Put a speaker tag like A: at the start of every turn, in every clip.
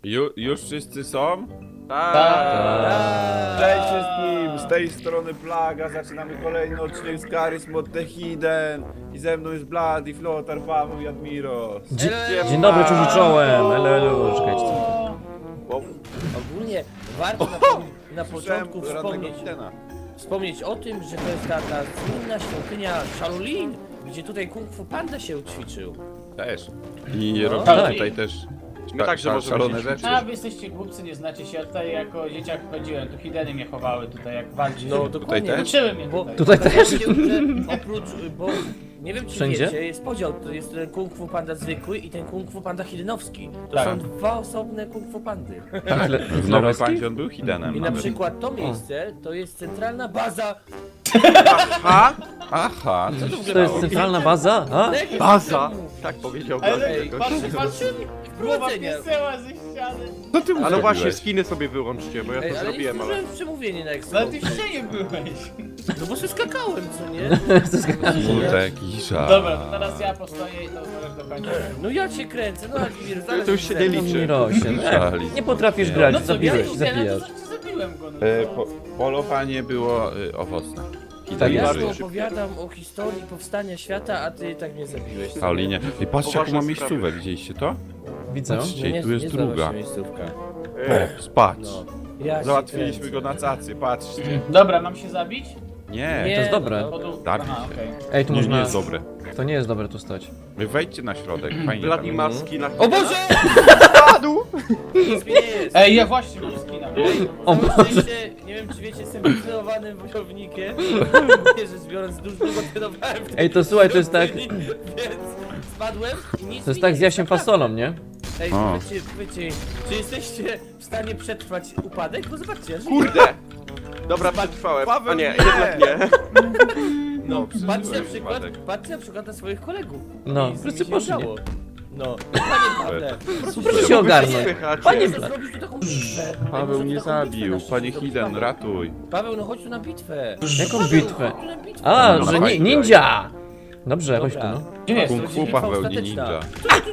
A: Już wszyscy są?
B: Tak.
A: Cześć wszystkim! Z tej strony Plaga, zaczynamy kolejny odcinek z Charism of the Hidden. I ze mną jest Blad, i Flotar, Paweł i Admiros.
C: Dzień dobry, czuć czołem. Elo, czekajcie.
B: Ogólnie warto na początku wspomnieć o tym, że to jest ta słynna świątynia Shaolin, gdzie tutaj Kung Fu Panda się ćwiczył.
A: Też. I
B: No.
A: robimy
C: Tak.
A: tutaj też
D: My także możemy
A: szalone
D: się
A: rzeczy.
E: A wy jesteście głupcy, nie znacie się, ja tutaj jako dzieciak chodziłem, tu hideny mnie chowały tutaj jak walczyć.
B: No dokładnie.
A: też?
E: Uczyły mnie
B: Bo
E: tutaj.
C: Tutaj też?
B: że oprócz, bo nie wiem czy
C: Wszędzie?
B: wiecie, jest podział, to jest ten Kung Fu Panda zwykły i ten Kung Fu Panda hidenowski. To
E: Tak.
B: są dwa osobne Kung Fu Pandy.
A: W Nowej Pandzie on był Hiddenem.
B: I na
A: nawet.
B: przykład to miejsce to jest centralna baza.
A: Aha, co to
C: To jest centralna baza? A?
D: Baza! Tak powiedział
E: Ale
B: Ej,
E: patrzę, głowa
B: wprowadzenia.
E: pieseła ze ściany.
A: Co ty mu
D: Ale właśnie
A: zrobiłeś?
D: skiny sobie wyłączcie, bo ja
B: Ej,
D: to
B: ale nie
D: zrobiłem, ale...
B: zdążyłem przemówienie na
E: Ale
B: Expo.
E: ty w ścianie byłeś.
B: No bo się skakałem, co nie?
A: Smutek i żal.
E: Dobra, to teraz ja postoję i to możesz dokończyć.
B: No ja cię kręcę, no Admir, zaraz
D: To już się nie liczy.
C: Mirosie,
A: Żali.
C: nie potrafisz grać,
E: No co,
C: zabiłeś,
E: ja
C: zabijasz.
E: zabiłem go. No.
A: Polowanie było owocne.
C: Tak
A: Hidden
B: Ja
C: jest.
A: żyje.
B: tu opowiadam o historii powstania świata, a ty tak mnie zabiłeś.
A: Paulinie. I patrzcie jaką
D: Poważne
A: mam
D: sprawy.
A: miejscówę, widzieliście to?
C: Widzę.
A: Patrzcie, i tu jest
B: zdawa
A: druga.
B: się miejscówka.
A: O, spać.
B: No. Ja się
A: Załatwiliśmy
B: kręcę.
A: go na cacy, patrzcie.
E: Dobra, mam się zabić?
A: Nie,
C: To jest dobre.
B: no,
A: Zabić
E: Aha,
A: się.
E: okej.
C: Ej, tu
A: nie, nie
C: można...
A: jest dobre.
C: To nie jest dobre tu stać.
A: Wy wejdźcie na środek, fajnie tam.
D: Wladimarski na
B: O Boże!
D: padł!
B: Nic mi nie jest.
E: Ej, ja właśnie mam skina.
C: O
B: Całe
C: Boże.
B: szczęście, nie wiem czy wiecie, jestem wytrenowanym wojownikiem. Nie, że biorąc długo trenowałem w tej
C: Ej, to słuchaj, to jest tak...
B: świątyni, Więc spadłem i nic
C: To jest
B: mi
C: tak
B: nie
C: z Jasiem
B: zaczepia.
C: Fasolą, nie?
B: Ej,
A: O.
B: powiedzcie, czy jesteście w stanie przetrwać upadek? Bo zobaczcie, ja żyję.
D: Kurde! Dobra, przetrwałem.
A: Paweł,
D: A nie,
A: nie!
D: jednak nie.
B: No,
A: przeżyłem
B: patrzcie na przykład na swoich kolegów.
C: No,
B: I z
C: wszyscy
B: nimi się
C: poszli.
B: udało. No, panie Pawle,
C: Proszę się ogarnąć.
D: Słychać.
C: Panie
B: proszę
C: Bla-
B: zrobić tu taką bitwę.
A: Paweł
B: Ej,
A: nie
B: może tu taką bitwę
A: zabił,
B: na szczycie
A: panie
B: zrobić,
A: Hidden,
B: Paweł.
A: ratuj.
B: Paweł, no chodź tu na bitwę.
C: Jaką
B: Paweł,
C: bitwę?
B: chodź tu na bitwę.
C: A,
A: No,
C: że
A: fajnie.
C: ninja! Dobrze, chodź tu,
B: Dobra.
C: no.
E: Gdzie jest?
A: Kung
B: To
A: Fu,
B: będzie bitwa
A: Paweł, nie
B: ostateczna.
A: ninja.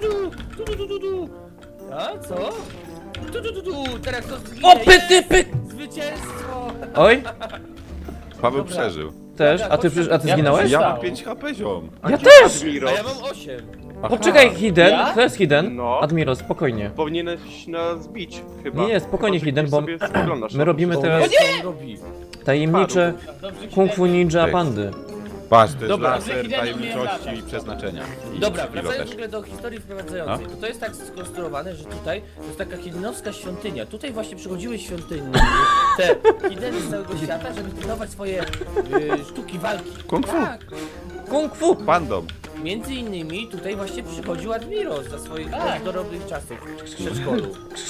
B: Tu. A, co? Tu. Teraz to zginie.
C: O, pyty, pyk!
B: Zwycięstwo!
C: Oj,
A: Paweł
B: Dobra.
A: przeżył.
C: też. A ty
E: Ja
C: zginąłeś?
A: Ja
E: Stał.
A: mam 5 HP ziom.
C: Ja też!
D: Admiro,
B: A ja mam 8.
C: Poczekaj, Hidden.
E: Ja?
C: To jest Hidden.
D: No.
C: Admiro, spokojnie.
D: powinieneś nas bić, chyba.
C: Nie, spokojnie,
D: Chyba, że
C: Hidden,
D: gdzieś
C: bo
D: sobie spoglądasz
C: my
D: na
C: robimy
D: to.
C: teraz
B: On robi.
C: tajemnicze
E: Dobrze,
C: Kung Fu Ninja
A: Tak.
C: Pandy.
A: Patrz, to jest
B: Dobra.
A: laser
E: Hidden
A: tajemniczości
E: nie
A: i przeznaczenia. I
B: Dobra,
A: pilot
B: wracając w
A: też.
B: ogóle do historii wprowadzającej. To jest tak skonstruowane, że tutaj to jest taka hiddenowska świątynia. Tutaj właśnie przychodziły świątynie, te hideny z całego świata, żeby trenować swoje sztuki walki.
A: Kung fu.
B: Tak.
C: Kung Fu!
A: Pandom.
B: Między innymi tutaj właśnie przychodził Admiros za swoich
E: Tak.
B: dorobnych czasów w przedszkolu.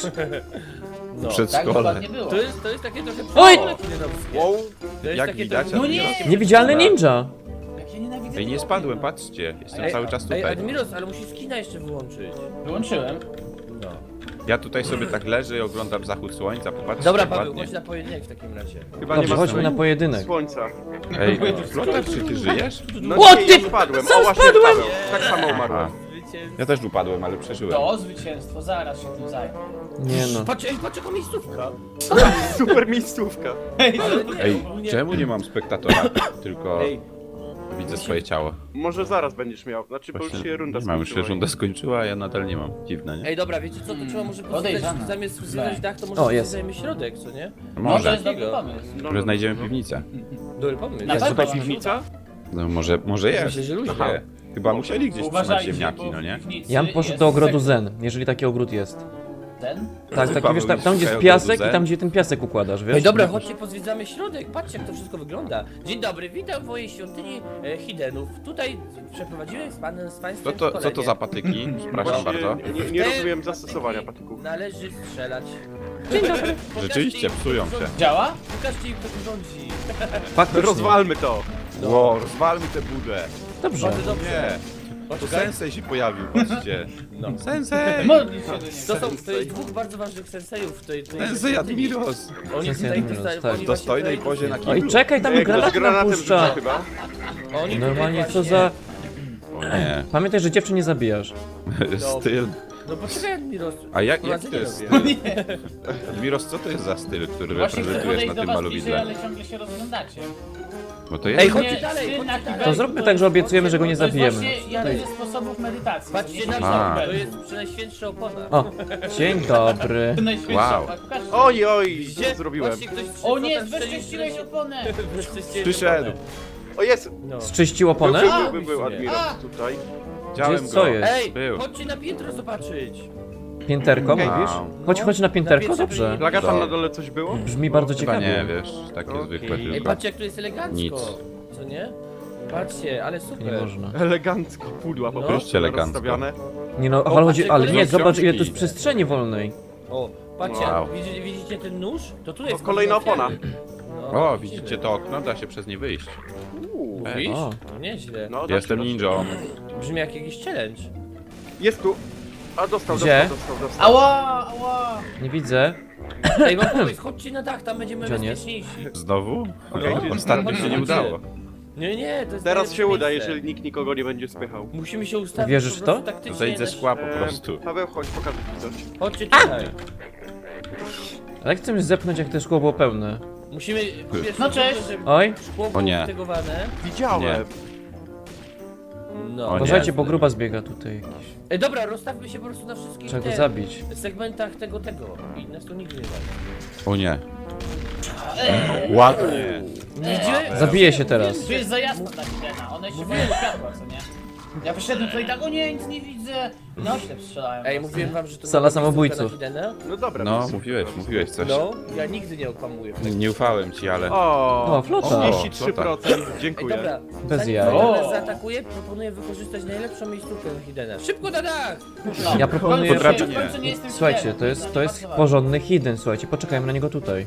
B: No.
E: Tak
A: Przedszkole.
E: dokładnie było.
B: To jest takie trochę
C: Oj!
B: przedszkole hidenowskie.
D: Wow,
B: To jest
A: Jak
B: takie
A: widać,
B: trochę-
E: No nie!
C: Niewidzialny
A: Dobra.
C: ninja!
E: Jak ja nienawidzę
A: Ej, nie
E: tego
A: spadłem,
E: ognia.
A: patrzcie. Jestem
B: Ej,
A: cały czas
B: Ej,
A: tutaj.
B: Admiros, ale musisz skina jeszcze wyłączyć.
E: Wyłączyłem.
B: No.
A: Ja tutaj sobie tak leżę i oglądam zachód słońca, popatrzcie
B: Dobra,
A: jak
B: Paweł,
A: ładnie.
B: chodź na pojedynek w takim razie.
D: chyba nie
C: Dobrze,
D: ma
C: chodźmy na pojedynek.
D: słońca.
A: Ej, Flotar, czy ty żyjesz?
D: No
C: O,
D: nie,
C: ty-
D: ja spadłem.
C: sam
D: O, właśnie
C: spadłem!
D: Paweł. Tak samo umarłem.
A: Aha. Ja też upadłem, ale przeżyłem.
E: To zwycięstwo, zaraz się tym zajmę.
C: Nie no.
B: Patrz jaka miejscówka.
D: Super miejscówka.
E: Ej,
B: Ale nie,
A: Ej,
B: ogólnie-
A: czemu nie mam spektatora? Tylko
B: Ej,
A: widzę swoje ciało.
D: Może zaraz będziesz miał. Znaczy, bo już
A: Właśnie
D: się runda
A: nie mam, już się
D: skończyła.
A: runda skończyła, a ja nadal nie mam. Dziwne, nie?
B: Ej, dobra, wiecie co, to trzeba może
E: Podejrzane.
B: pozwiedzać, zamiast zwiedzać dach, to
C: O,
B: może
C: jest.
B: zwiedzajmy środek, co nie?
E: no to
A: Może.
E: jest dobry pomysł.
D: No,
A: Może znajdziemy piwnicę.
B: Dobry pomysł.
E: Na
D: Jest
E: pewno.
D: tutaj piwnica?
A: No może jest.
B: Myślę, że luźno.
A: Nie. Chyba musieli gdzieś trzymać
E: Uważajcie,
A: ziemniaki,
E: bo
A: no nie?
E: w piwnicy
C: Ja bym poszedł
E: jest
C: do ogrodu
E: sekret.
C: Zen, jeżeli taki ogród jest.
E: Ten?
C: Tak, taki
A: Paweł
C: wiesz, tam gdzie
A: szukają
C: jest piasek
A: ogrodu
C: i
A: Zen.
C: tam gdzie ten piasek układasz, wiesz?
B: Ej, dobra, chodźcie pozwiedzamy środek, patrzcie jak to wszystko wygląda. Dzień dobry, witam w mojej świątyni Hidenów. Tutaj przeprowadziłem z państwem
A: Co to
B: szkolenie.
A: za patyki? Przepraszam
D: Właśnie
A: bardzo.
D: nie
B: Te
D: rozumiem
B: patyki
D: zastosowania patyków.
B: Należy strzelać.
A: Rzeczywiście, psują się.
E: Działa?
B: Pokażcie im kto tu rządzi.
C: Faktycznie.
D: Rozwalmy to.
A: Ło, rozwalmy tę budę.
C: Dobrze.
B: Bardzo dobrze.
A: Nie. To
B: Poczekaj.
A: sensei się pojawił, patrzcie.
B: No.
A: Sensei!
E: Modli się do niego.
B: To jest dwóch bardzo ważnych sensejów w tej
A: Sensei
B: świątyni.
A: Admiros!
B: Oni
C: Sensei
B: tutaj
C: Admiros,
B: dostają-
C: tak.
B: oni
A: W
B: właśnie
A: dostojnej
B: tutaj-
A: pozie na
C: Oj,
A: kiblu.
C: czekaj, tam
D: Jak to z
C: granat
D: granatem
C: napuszcza.
D: rzuca chyba.
B: Oni tutaj
C: Normalnie, co
B: właśnie-
C: za...
A: O nie.
C: Pamiętaj, że dziewczyn nie zabijasz.
A: Styl.
B: No poczekaj, Admiros.
A: A jak to
B: prowadzenie
A: jest?
B: robię.
A: Admiros, co to jest za styl, który
E: Właśnie chcę
A: reprezentujesz na
E: podejść do
A: tym
E: was bliżej,
A: malowidle?
E: ale ciągle się rozglądacie.
A: Bo to
B: Ej,
A: jest...
B: chodźcie
E: Nie,
B: dalej,
E: ty
B: chodźcie
E: na
B: dalej.
E: kibel.
C: To zróbmy tak, że obiecujemy, że go nie
E: To jest
C: zabijemy.
E: właśnie jeden ze sposobów medytacji.
B: Patrzcie na
A: A.
B: to, to jest Przenajświętsza opona.
C: O, dzień dobry.
A: Wow.
D: Oj, oj,
B: Widzicie?
D: co zrobiłem?
B: Patrzcie, ktoś
E: O nie,
B: potem strzelił
E: zbezcześciłeś oponę!
B: Bezcześciłeś
A: Przyszedł.
B: oponę.
D: O, jest!
B: No.
C: Zczyścił oponę?
D: Był Admiros tutaj.
A: Widziałem
C: Gdzie- co
A: go.
C: jest?
B: Ej,
A: Był.
B: chodźcie na piętro zobaczyć.
C: Pięterko,
D: Okej.
C: mówisz?
A: Wow.
C: Chodź na pięterko, dobrze.
D: Plaga tam
A: Dobra.
D: na dole coś było?
C: Brzmi bardzo
A: Chyba nie,
C: ciekawie.
A: wiesz, takie
D: Okej.
A: zwykłe
B: Ej,
A: tylko.
B: patrzcie jak to jest elegancko.
A: Nic.
B: Co nie? Patrzcie, ale
C: Nie
B: super.
C: można.
D: Elegancko, pudła po
B: No.
D: prostu
A: Elegancko.
D: rozstawiane.
C: Nie no, ale
B: patrzcie,
C: chodzi, ale nie,
B: kolejne
C: zobacz ile tu
A: książki.
C: jest przestrzeni wolnej.
B: O, patrzcie,
A: Wow.
B: widzicie ten nóż? To tu jest
D: kolejna
B: ofiary.
D: opona.
B: No,
A: O, widzicie to okno? Da się przez nie wyjść.
B: Mówisz?
C: O.
B: No nieźle.
D: No,
A: Jestem
D: dobrze,
A: ninją.
B: Brzmi jak jakiś challenge.
D: Jest tu. A dostał,
C: Gdzie?
D: dostał.
E: Ała, ała!
C: Nie widzę.
B: Ej, mam pomysł, chodźcie na dach, tam będziemy
C: Gdzie on jest?
B: bezpieczniejsi.
A: Znowu? Okej,
B: No.
A: ostatnio się nie udało.
B: Nie, to jest
D: Teraz
B: najlepsze
D: się uda,
B: miejsce.
D: jeżeli nikt nikogo nie będzie spychał.
B: Musimy się ustawić
C: Wierzysz
B: po
C: w to?
B: prostu taktycznie
A: Zejdź ze
B: na-
A: szkła po prostu.
D: Paweł, chodź, pokażę ci coś.
B: Chodźcie tutaj.
C: Ale jak chcemy zepchnąć, jak to szkło było pełne?
B: Musimy pierwszy
E: No cześć.
B: żeby
C: Oj,
B: szkło było
A: O nie.
B: wytegowane.
D: Widziałem.
B: No.
A: O nie.
C: uważajcie, bo gruba zbiega tutaj jakiś.
B: Ej, dobra, rozstawmy się po prostu na wszystkich
C: Trzeba go
B: tych
C: zabić.
B: segmentach tego i nas tu nigdy nie da.
A: O nie. Ładnie.
B: Widzicie?
C: Zabije się teraz.
E: Tu jest za jasno dla Hidena, one się boją światła, co nie? Ja wyszedłem tutaj tak, o nie, nic nie widzę. No oślep strzelałem.
B: Ej, mówiłem wam, że to
C: Sala
B: była
C: samobójców.
B: miejscówka na Hidena?
D: No dobra.
A: No,
D: to-
A: mówiłeś coś.
B: No, ja nigdy nie okłamuję.
A: Nie ufałem ci, ale...
C: O, flota.
D: 33%,
B: Ej,
D: dziękuję.
B: dobra,
C: Bez
B: zanim
C: jaj.
B: Hidena
E: O.
B: nas zaatakuje, proponuję wykorzystać najlepszą miejscówkę na Hidena. Szybko na dach!
E: No.
C: Ja proponuję,
A: Potrafię-
E: W końcu nie jestem
C: Słuchajcie,
E: Hidenem,
C: to jest
E: bardzo
C: porządny hidden, słuchajcie, poczekajmy na niego tutaj.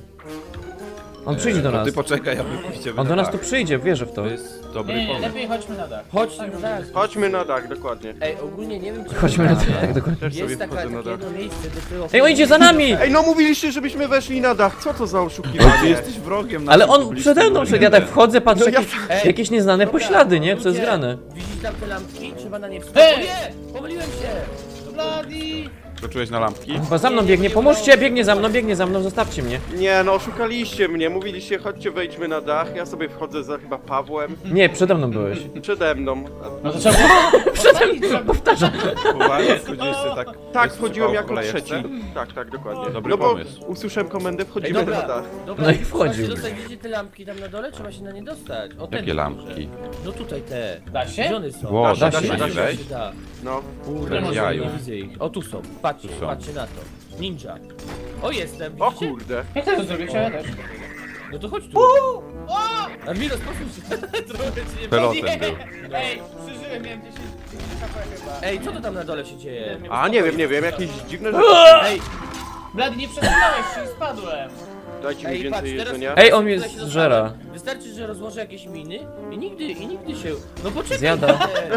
C: On przyjdzie do
A: To
C: nas.
A: ty poczekaj, aby pójście
C: On do nas tu przyjdzie, wierzę w to.
A: To jest
E: ważne.
A: dobry
E: Nie,
A: pomysł.
E: lepiej chodźmy na dach.
B: Chodźcie na dach.
D: Chodźmy na dach, dokładnie.
B: Ej, ogólnie nie wiem, czy
C: Chodźmy na
B: wiecie,
C: tak dokładnie.
D: Też sobie
B: jest takie
D: wchodzę na dach.
B: jedno miejsce, do którego...
C: Ej, on idzie za nami!
D: Ej, no mówiliście, żebyśmy weszli na dach. Co to za
A: Ty
D: oszukiwanie?
A: jesteś wrogiem
C: Ale
A: naszym
C: on
A: publicznym
C: przede mną szedł, ja tak wchodzę, patrzę,
D: No ja-
C: jakieś,
B: Ej,
C: jakieś nieznane
B: dobra,
C: poślady, nie? Co jest
B: ludzie,
C: grane?
B: Widzisz tam te lampki? Trzeba na nie wskoczyć.
E: Ej!
B: O nie! Pomyliłem się!
E: Bloody!
A: Skoczyłeś na lampki?
C: Chyba za mną biegnie, pomóżcie, biegnie za mną, zostawcie mnie.
D: Nie, no oszukaliście mnie. Mówiliście, chodźcie, wejdźmy na dach. Ja sobie wchodzę za chyba Pawłem.
C: Nie, przede mną byłeś.
D: Przede mną.
E: No to trzeba było...
C: Powtarzam.
A: Uważaj, wchodziłeś sobie tak...
D: Tak,
A: bez
D: wchodziłem
A: przypału
D: jako
A: kolejeczce?
D: trzeci. Tak, dokładnie.
A: Dobry
D: no bo
A: pomysł.
D: usłyszałem komendę,
B: Ej,
D: wchodzimy na
B: dobra,
D: dach.
B: dobra.
C: No i
B: trzeba
C: wchodził.
B: się dostać, widzicie te lampki tam na dole? Trzeba się na nie dostać. O, ten
A: Jakie
B: duże.
A: lampki?
B: No tutaj te.
E: Da się?
B: Gdzie one są?
A: Ło,
C: da
A: da
C: się,
A: się
C: da
A: nie
C: się.
A: wejść?
B: Da.
D: No.
B: Kurde,
A: Bez
B: może
A: jaju.
B: nie widzę ich. O, tu są. Patrzcie,
A: Tu są.
B: patrzcie na to. Ninja. O, jestem,
D: O
B: widzicie?
D: kurde.
E: Jak to zrobić? Ja też.
B: No to chodź tu. Admiros, posłuchaj się. Trochę ci nie
A: Pelotem
E: Nie!
A: był.
E: Ej, przeżyłem, miałem 10 HP chyba.
B: Ej, co to tam na dole się dzieje?
D: A nie wiem, jakieś dziwne rzeczy.
B: Ej,
E: Bloody, nie przesunąłeś się i spadłem.
D: Dajcie mi
B: ej, patrz,
D: więcej
B: teraz...
D: jedzenia.
C: Ej, on mnie
B: tutaj się
C: zżera.
B: dostałem. Wystarczy, że rozłożę jakieś miny i nigdy się... No poczekaj.
C: Zjada.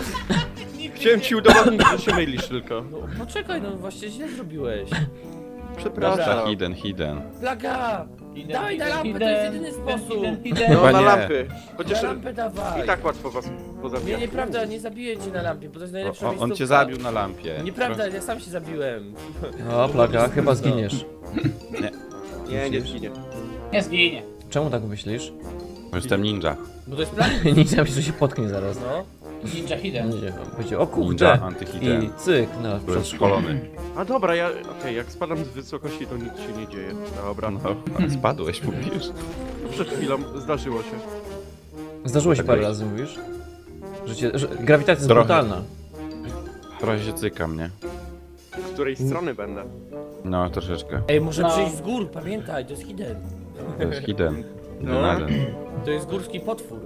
D: Chciałem ci udowodnić, że się mylisz tylko.
B: No poczekaj, no właśnie źle zrobiłeś.
D: Przepraszam.
A: Hidden.
B: Plaga! Daj na lampę, to jest jedyny sposób.
D: No
A: Chyba
D: na
A: nie.
D: lampy.
B: Na
D: Chociaż
B: lampę dawaj.
D: i tak łatwo was
B: Nie,
D: pozabijać.
B: nieprawda, nie zabiję cię na lampie, bo to jest najlepsza
A: On
B: miejscówka.
A: cię zabił na lampie.
B: Nieprawda, ja sam się zabiłem.
C: O, plaga, chyba zginiesz.
D: Nie zginie.
E: Nie zginie.
C: Czemu tak myślisz?
A: Bo jestem ninja.
B: Bo to jest plan,
C: Nie myślę, że się potknie zaraz.
B: no.
E: Ninja Hidden.
C: Będzie, będzie, o
A: Ninja
C: kurde.
A: antyhidden.
C: I cyk, no,
A: Byłem szkolony.
D: A dobra, okej, jak spadam z wysokości, to nic się nie dzieje. Dobra,
A: No, spadłeś, mówisz.
D: przed chwilą zdarzyło się.
C: Zdarzyło się
A: Tak
C: parę
A: jest.
C: razy, mówisz? Że grawitacja jest
A: Trochę.
C: brutalna.
A: Trochę się cyka mnie.
D: Z której strony będę?
A: No, troszeczkę.
B: Ej, muszę
E: No.
B: przyjść z gór, pamiętaj, to jest hidden.
A: To jest hidden.
D: No.
A: Hidden.
B: To jest górski potwór.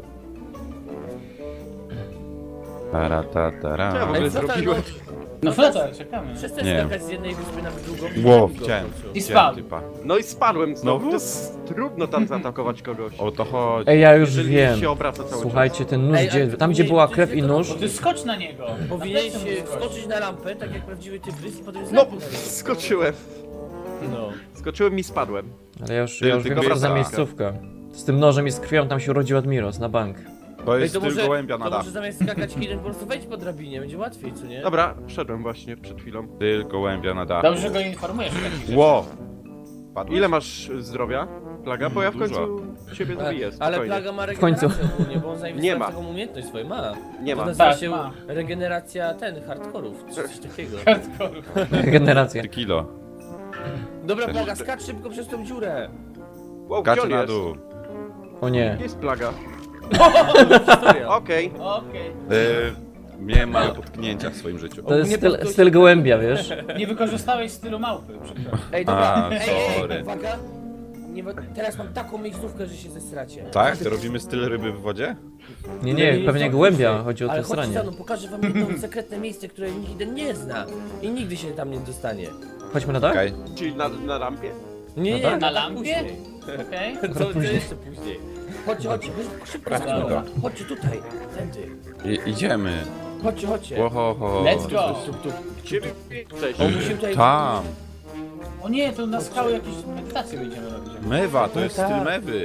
A: Tara, ta, tara.
D: Co ja w ogóle
B: flota,
D: zrobiłem?
E: No flota, czekamy.
B: Przestań
A: Nie.
B: skakać z jednej wyspy na drugą.
A: Ło,
B: Go w
A: chciałem.
B: końcu.
E: I spadł.
A: Typa.
D: No i spadłem znowu.
A: Znowu?
D: To jest trudno tam zaatakować kogoś.
A: O to chodzi.
C: Ej, ja już
D: Jeżeli
C: wiem.
D: się obraca cały
C: Słuchajcie, ten nóż,
B: Ej,
C: gdzie,
B: ale
C: tam gdzie
B: nie,
C: była
B: to
C: krew
B: jest
C: i
B: tylko-
C: nóż,
E: Bo ty skocz na niego.
B: Powinieneś
E: Na plecy mu skocz.
B: skoczyć na lampę, tak jak prawdziwy tygrys i potem
D: czas.
B: znowu
D: No,
B: na niego.
D: skoczyłem.
B: No.
D: Skoczyłem i spadłem.
C: ale ja już
A: Tylko
C: wiem, co to za
A: wraca.
C: miejscówka. Z tym nożem i z krwią tam się urodził Admiros, na bank.
A: To
B: Ej,
A: jest styl gołębia na
B: to
A: dach.
B: może zamiast skakać Hiden po prostu wejdź po drabinie, będzie łatwiej, co nie?
D: Dobra, wszedłem właśnie przed chwilą.
A: Styl gołębia na dach.
E: Dobrze, że go informujesz o takich rzeczach.
A: Ło! Padłeś?
D: Ile masz zdrowia? Plaga? Bo ja w
A: Dużo.
D: końcu ciebie zabiję,
B: Ale
D: spokojnie.
B: Plaga ma
C: końcu.
B: regenerację ogólnie, bo on
D: Nie
B: zajmie
D: ma.
B: taką umiejętność swoją, ma.
D: Nie
B: To
D: ma.
B: nazywa
E: Tak,
B: się
E: ma.
B: regeneracja hardkorów, czy coś takiego.
E: Hardcore.
C: Regeneracja.
A: 3 kilo.
B: Dobra,
A: Też.
B: Plaga, skacz szybko przez tą dziurę.
D: Wow, gdzie
A: Kaczy
D: on
A: na
D: jest?
A: dół.
C: O nie.
D: Gdzie jest plaga?
B: Historia.
D: Okej.
E: Okej.
A: Miałem małe potknięcia w swoim życiu.
C: To jest
B: Nie
C: styl,
B: podgość-
C: styl gołębia, wiesz?
E: Nie wykorzystałeś stylu małpy, przepraszam.
B: Ej, dobra,
A: A,
B: ej,
A: sorry.
B: uwaga. Nie, teraz mam taką miejscówkę, że się zesracie.
A: Tak? To robimy styl ryby w wodzie?
C: Nie, pewnie
B: to
C: gołębia,
B: później.
C: chodzi o
B: Ale
C: to
B: chodźcie za
C: stranie.
B: mną, pokażę wam jedno sekretne miejsce, które Hiden nie zna. I nigdy się tam nie dostanie.
C: Chodźmy na dach?
A: Okej.
D: Czyli na rampie?
B: Nie, nie,
C: tak?
E: Na
B: tak
E: lampie?
B: później.
E: Okej.
B: To jeszcze później. Chodźcie, szybko za mną.
E: Dobra.
B: Chodźcie tutaj, tędy.
A: Idziemy.
B: Chodźcie.
A: Oho.
E: Let's go.
D: Gdzie wy jesteście?
B: O, musimy tutaj...
A: Tam.
E: O nie, to na skały jakieś medytacje będziemy robić.
A: Mewa, to jest
B: tak.
A: styl mewy.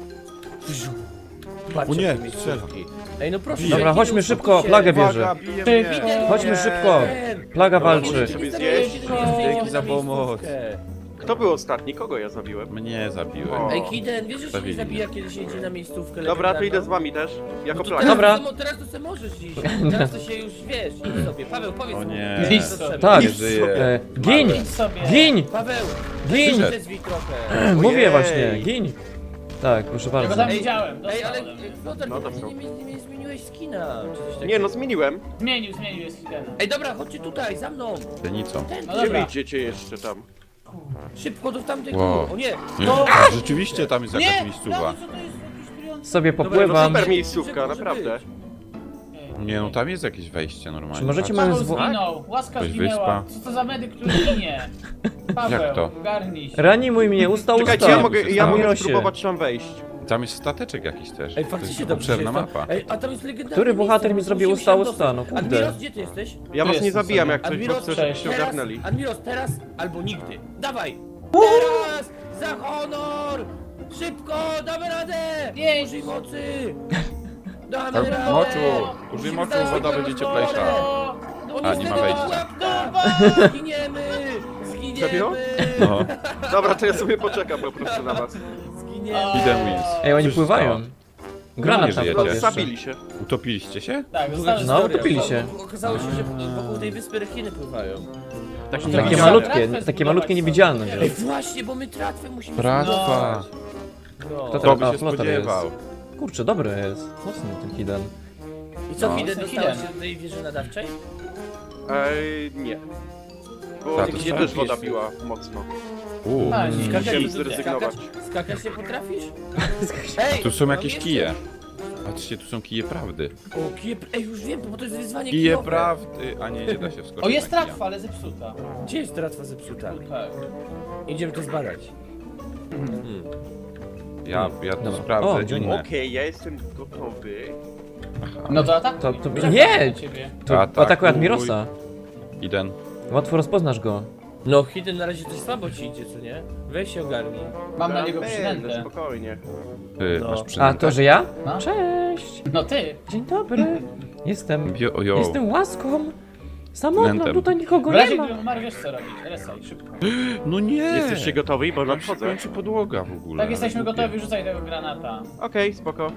B: Patrzcie,
A: O nie,
B: jakie miejscówki. Ej, no proszę.
C: Dobra,
B: Hiden,
C: chodźmy szybko,
B: uspokój się.
C: plagę
A: Uwaga,
C: bierze.
A: bije
E: Ty,
A: mnie.
E: Hiden.
C: Chodźmy
A: Nie.
C: szybko. Plaga walczy.
D: sobie zjeść.
A: Dzięki za pomoc.
D: Kto był ostatni? Kogo ja zabiłem?
A: Mnie zabiłem.
D: O.
B: Ej, Hiden, wiesz, że się nie
A: Zabili
B: zabija, kiedy się idzie na miejscówkę
D: Dobra, to
B: legendarną?
D: idę z wami też. Jako
B: No to
D: plaga.
B: teraz,
C: Dobra.
B: Teraz to se możesz iść. Teraz to się już wiesz. Idź sobie. Paweł, powiedz
A: O
B: mu.
A: nie.
E: Idź
B: Co
E: sobie.
B: trzeba.
C: Tak.
A: Nie żyje.
C: Gin!
E: Idź sobie.
C: Gin!
B: Paweł,
C: Gin!
B: przezwij trochę.
C: Mówię
D: Ojej.
C: właśnie, gin! Tak, proszę
E: Ja go
C: bardzo.
E: tam widziałem,
B: Ej, ale
E: dostał ode mnie.
B: Flotar,
D: No
B: ty
D: dobrze.
B: nie zmieniłeś skina, czy coś takiego.
D: Nie no, zmieniłem.
E: Zmienił, jest Hidena.
B: Ej, dobra, chodźcie tutaj, za mną.
A: Denicą.
B: Ten,
E: No
D: Gdzie wy
E: dobra.
D: idziecie jeszcze tam?
B: szybko do tamtego.
A: Wow.
B: O nie.
A: Nie,
B: No.
A: rzeczywiście tam jest jakaś
E: Nie!
A: miejscowa.
E: No, co to jest jakiś trujący?
C: Sobie
B: Dobra,
C: popływam.
D: Super miejscówka,
B: Może
D: naprawdę.
B: być.
A: Nie no, tam jest jakieś wejście normalnie.
C: Czy możecie
A: Patrz.
C: moją
E: Paweł
C: zwo...
E: zginął, łaska
A: Jakaś
E: zginęła.
A: wyspa.
E: Co to za medyk, który ginie? Paweł,
A: Jak to?
E: ogarnij się.
C: Ranimuj mnie, usta,
D: Czekajcie,
C: usta.
D: ja mogę
C: Mirosie.
D: spróbować tam wejść.
A: Tam jest stateczek jakiś też.
B: Ej,
A: To jest
B: faktycznie dobrze
A: obszerna
B: jest tam.
A: mapa.
B: Ej, a tam jest legendarny
C: Który bohater mi
B: miejsce,
C: zrobił
B: musimy
C: usta,
B: się
C: usta? No
B: dostać.
C: kurde.
B: Admiros, gdzie ty jesteś?
D: Ja
E: Tu
D: was nie
E: jestem
D: zabijam
E: sobie.
D: jak coś, bo
B: Admiros,
D: chcę,
E: cześć.
D: żebyście
B: teraz,
D: ogarnęli.
B: Admiros, teraz albo nigdy. Dawaj! Teraz! Za honor! Szybko, damy radę!
E: Jej.
B: Użyj mocy! Damy
A: Tak,
B: radę!
A: moczu! Użyj
B: Musimy
A: moczu,
B: znaleźć
A: woda
B: tego
A: będzie
B: potwora.
A: cieplejsza.
B: No
A: A, nie ma
B: niestety,
A: wejścia.
B: pułapka. Zginiemy!
D: Serio?
B: Zginiemy!
A: No.
D: Dobra, to ja sobie poczekam po prostu na was.
B: Zginiemy!
A: Hidden wins.
C: Ej, oni
A: Cóż
C: pływają.
A: stało?
C: Granat
A: Nie
C: tam
A: żyjecie.
C: wpadł jeszcze.
D: Zabili się.
A: Utopiliście się?
E: Tak,
B: Długa
E: zostały
C: No,
B: historia.
C: utopili się.
B: Okazało się, że wokół tej wyspy rekiny pływają.
C: Takie
E: Takie
C: malutkie,
E: tratwę
C: takie
E: zbudować
C: malutkie
E: sobie.
C: niewidzialne.
B: Ej,
C: wiesz.
B: właśnie, bo my tratwę musimy
A: Tratwa.
B: No.
C: To
A: Kto by
C: A,
A: się
C: flotar
A: spodziewał?
C: Kurczę, dobry jest. Mocny ten Hidden.
B: I co,
A: No.
B: Hidden,
E: Hidden.
B: dostałeś się do tej wieży nadawczej?
D: Nie. Bo
A: Tak, to
D: mnie
A: są
D: też woda
A: jakieś-
D: biła mocno.
E: A, nie,
D: Musiałem
E: nie,
D: zrezygnować.
B: Skakać nie potrafisz? Ej,
A: Tu są jakieś
B: pamiętasz?
A: kije. Patrzcie, tu są kije prawdy.
B: O, kije... Ej, już wiem, bo to jest wyzwanie
A: Kije
B: kijowe.
A: prawdy. A nie da się wskoczyć.
E: O, jest
A: na kija.
E: tratwa, ale zepsuta.
B: Gdzie jest tratwa zepsuta?
E: Tak.
B: Idziemy to zbadać.
A: Ja to
C: Dobra.
A: sprawdzę.
C: O, dzień.
A: inne.
D: Okej, ja jestem gotowy.
E: No to atakuj.
C: To-
E: Czekam
C: nie!
E: na ciebie.
C: To
A: Atakuj.
C: atakuj Admirosa.
A: Jeden.
C: Łatwo rozpoznasz go.
B: No, Hidden na razie coś słabo ci idzie, co nie? Weź się ogarnij.
E: Mam na
D: Ja
E: niego
D: będę,
E: przynętę.
D: spokojnie.
A: Ty,
B: No.
A: masz
C: A,
A: przynętę?
C: to że ja?
E: No.
C: Cześć!
E: No ty.
C: Dzień dobry. Jestem...
A: Jo.
C: Jestem łaską. Samotną,
A: Nętem.
C: tutaj nikogo
E: W
C: nie
E: razie
C: ma.
E: gdyby umarł, wiesz co robić. Resaj, szybko.
A: No nie!
D: Jesteście gotowi? Bo
A: Nam się
D: nadchodzę.
A: kończy podłoga w ogóle.
E: Tak, jesteśmy
A: Głupie.
E: gotowi, rzucaj tego granata.
D: Okej, spoko.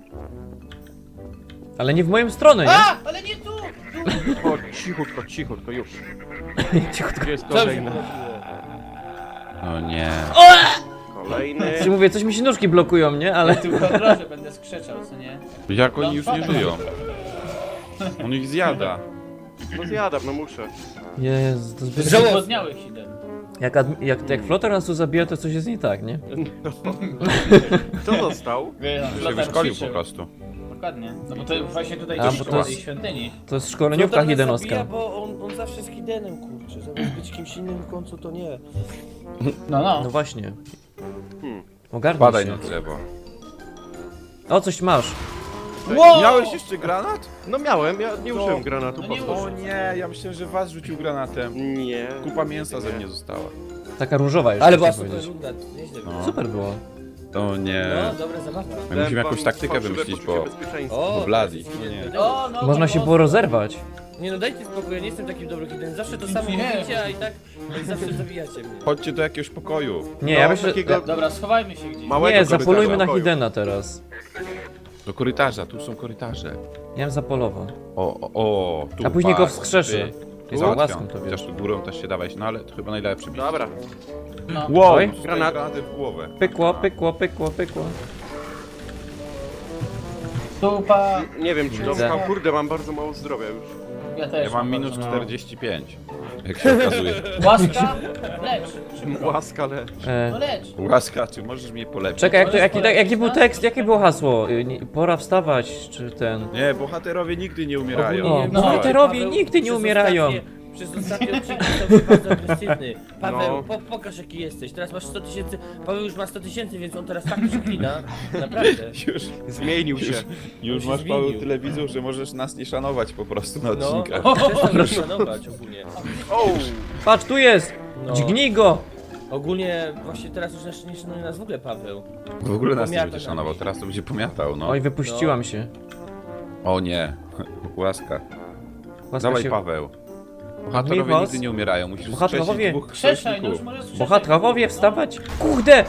C: Ale nie w moją stronę, nie?
E: A! Ale nie tu! Tu!
D: O, cichutko, już.
C: Cichutko.
D: Gdzie jest
B: Co się
D: kolejny?
B: wydarzyło?
A: O nie.
D: Kolejny.
C: Czy mówię, coś mi się nóżki blokują, nie? Ale...
E: Tu po drodze będę skrzeczał, co nie?
A: Jak oni już nie żyją? On ich zjada.
D: No zjadam, no muszę.
C: Jezu, to zbyt...
E: Żałobniały Hidden.
C: Jak flotar nas tu zabija, to coś jest nie tak, nie?
D: Kto został?
A: Się wyszkolił po prostu.
E: Dokładnie. No bo to właśnie tutaj
C: A,
E: gdzieś
C: bo to
E: koło
C: jest-
E: tej świątyni.
C: To jest szkoleniówka
B: Flotar nas
C: Hiddenowska.
B: zabija, bo on zawsze z Hiddenem, kurczę. Zamiast być kimś innym w końcu, to nie.
E: No,
C: No
E: no.
C: właśnie.
D: Hmm.
C: Ogarnij
A: Badaj
C: się.
A: na drzewo.
C: O, coś masz.
E: Wow!
A: Miałeś jeszcze granat?
D: No miałem, ja nie użyłem granatu,
E: No
D: po
E: nie
D: co?
A: O nie, ja myślałem, że was rzucił granatem.
D: Nie.
A: Kupa mięsa ze mnie została.
C: Taka różowa jeszcze.
B: Ale była
C: chciałem
B: super
C: powiedzieć.
B: runda, nieźle było.
A: No.
C: Super było.
A: O nie.
B: No, dobra zabawa.
A: My musimy jakąś taktykę wymyślić, bo...
B: O,
A: Bo Bloody.
B: teraz
A: No nie.
B: jest
E: O, no,
C: Można się było rozerwać.
B: Nie no, dajcie spokój, ja nie jestem takim dobry hidden. Zawsze to samo
E: Nie.
B: mówicie, a i tak zawsze zabijacie mnie.
A: Chodźcie do jakiegoś pokoju.
C: Nie,
D: No,
C: ja myślę...
D: takiego-
E: Dobra, schowajmy się gdzieś.
D: Małego
C: Nie, zapolujmy na
D: pokoju.
C: Hidena teraz.
A: Do korytarza, tu są korytarze.
C: Ja bym zapolował.
A: O, tu.
C: A później go
A: patrz,
C: wskrzeszy.
A: ty.
C: Z
A: Załatwiam.
C: łaską to wiesz.
A: Chociaż tu górą też się dawałeś, no ale to chyba najlepszy bić.
D: Dobra.
E: No.
A: Wow,
C: Oj.
A: granat.
D: Granat.
A: Granaty w głowę.
C: Pykło, pykło, pykło, pykło.
E: Tupa.
D: Nie wiem, czy
C: Widzę.
D: dobrze. Kurde, mam bardzo mało zdrowia już.
E: Ja też.
A: Ja mam minus
E: bardzo mało.
A: 45. Jak się okazuje.
E: Łaska? Lecz.
D: Łaska lecz.
E: No lecz.
A: Łaska, czy możesz mnie polepić?
C: Czekaj, jaki był tekst, jakie było hasło? Pora wstawać, czy ten...
A: Nie, bohaterowie nigdy nie umierają.
C: O,
B: No,
C: bohaterowie
B: Paweł
C: nigdy nie
B: przez
C: umierają.
B: Przez ostatnie odcinki stał się bardzo agresywny. Paweł,
D: No.
B: pokaż jaki jesteś. Teraz masz 100 000. Paweł już ma 100 000, więc on teraz tak przeklina. Naprawdę.
A: Już,
D: Zmienił się.
A: już
B: się
A: masz
B: zmienił.
A: Paweł tyle widzów, że możesz nas nie szanować po prostu na
B: No,
A: odcinkach.
B: przestał mnie szanować ogólnie.
D: O!
C: Patrz, tu jest!
B: No.
C: Dźgnij go!
B: Ogólnie właśnie teraz już nie szanuje nas w ogóle Paweł.
A: W ogóle nas nie
B: Pomiata
A: będzie
B: nam.
A: szanował, teraz to będzie pomiatał, no.
C: Oj, wypuściłam się.
A: O nie, łaska.
C: Łaska
A: Dawaj
C: się...
A: Paweł. Bohaterowie
C: Michos?
A: nigdy nie umierają, musisz
C: Bohaterowie?
A: wskrzesić dwóch
E: Krzeszaj, no już
A: sojuszników.
E: możesz krzeszać.
C: Bohaterowie, wstawać! Kurde!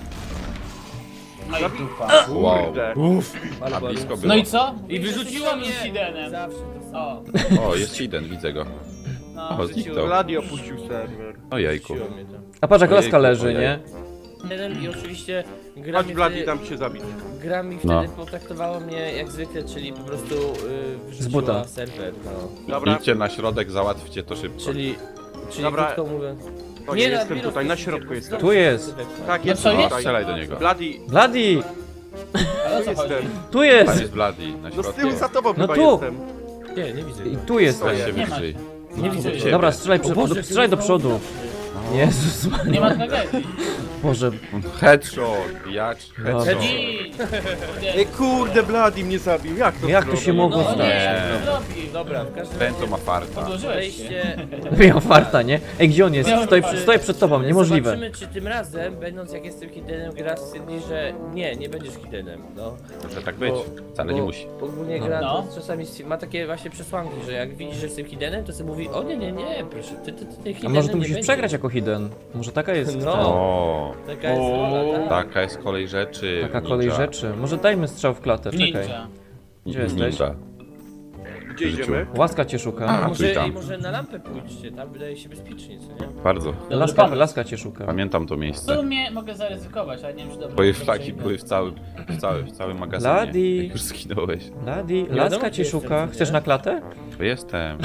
E: No i tupa.
A: Wow.
D: Kurde.
A: A blisko było.
E: No i co?
B: I wyrzuciło mnie!
E: Hidenem.
B: Zawsze to samo.
E: O,
A: O, jest Hidden, widzę go.
E: no.
A: O, zniknął.
D: Vladi opuścił serwer.
A: O jajku.
B: Wyrzuciło mnie to.
C: A patrz, jak
A: Ojejku,
C: laska leży,
A: ojej.
C: nie?
B: Jeden i oczywiście gra
D: Chodź
B: mi
D: Vladi,
B: wtedy,
D: dam cię zabić.
B: gra mi
A: No.
B: wtedy potraktowało mnie jak zwykle, czyli po prostu
C: Z buta.
B: wyrzuciła serwer, no.
D: Dobra,
A: Idźcie na środek, załatwcie to szybko.
B: Czyli
D: Dobra.
B: krótko mówiąc...
D: to nie jestem
B: Admiros,
D: tutaj, na
B: to
D: środku
B: się-
D: jestem.
C: Tu jest.
D: Tak,
E: No
D: jest
E: co jest?
D: tutaj.
A: Strzelaj do niego.
D: Vladi,
C: Bloody!
E: Ale o co chodzi?
D: jestem.
C: Tu
A: Tam
C: jest!
A: jest Bloody, na
D: No z
A: środku.
D: tyłu za tobą
C: No
D: chyba
C: tu.
D: jestem.
B: Nie, nie widzę
C: I
B: go.
C: tu jest.
A: Weź się
E: Nie ma.
A: wyżej.
B: Nie widzę go.
A: Siebie.
C: Dobra, strzelaj,
B: O Boże,
C: strzelaj do
B: jaki
C: przodu.
B: jest
C: Jezus
E: Nie
C: Maria.
E: ma tragedii.
C: Boże.
A: Headshot, bijacz,
C: Dobra.
A: headshot.
E: Ej,
D: Ej, kurde, Vladi mnie zabił. Jak to
C: Jak to
D: zrobił?
C: się mogło
E: no
C: stać?
E: nie, to zrobił.
B: Dobra, w każdym
A: Ten
B: razie
A: to ma farta.
E: Podłożyłeś się.
B: wejście...
C: Miał farta, nie? Ej, gdzie on jest? Stoi przed tobą, niemożliwe.
B: Zobaczymy, czy tym razem, będąc jak jestem hiddenem, gra stwierdzi, że nie będziesz hiddenem, no.
A: Może tak być, wcale nie musi.
B: Ogólnie
C: No.
B: gra
E: No.
B: to czasami ma takie właśnie przesłanki, że jak widzisz, że jestem hiddenem, to sobie mówi, o nie, proszę, ty
C: A
B: hiddenem
C: może ty
B: nie
C: musisz
B: będziesz.
C: przegrać jako hidden? Może taka jest
B: No.
C: ten-
A: O,
B: Taka jest rola, tak.
A: taka jest kolej rzeczy.
C: taka
A: ninja.
C: kolej rzeczy. Może dajmy strzał w klatę, czekaj.
E: Ninja.
C: Gdzie jesteś?
A: Ninja.
D: Gdzie idziemy?
C: Łaska cię szuka.
A: A, tu i
B: Może,
A: tam.
B: może na lampę pójdźcie, tam wydaje się bezpiecznie, co nie?
A: Bardzo.
C: Laska cię szuka.
A: Pamiętam to
E: W
A: miejsce.
E: sumie mogę zaryzykować, ale nie wiem, czy dobrze.
A: Twoje
E: dobrze
A: flaki
E: idę.
A: były w całym magazynie.
C: Ladi.
A: Jak już zginąłeś.
C: Ladi,
B: wiadomo,
C: laska
B: gdzie
C: cię
B: jestem,
C: szuka.
B: nie?
C: Chcesz na klatę?
A: To jestem.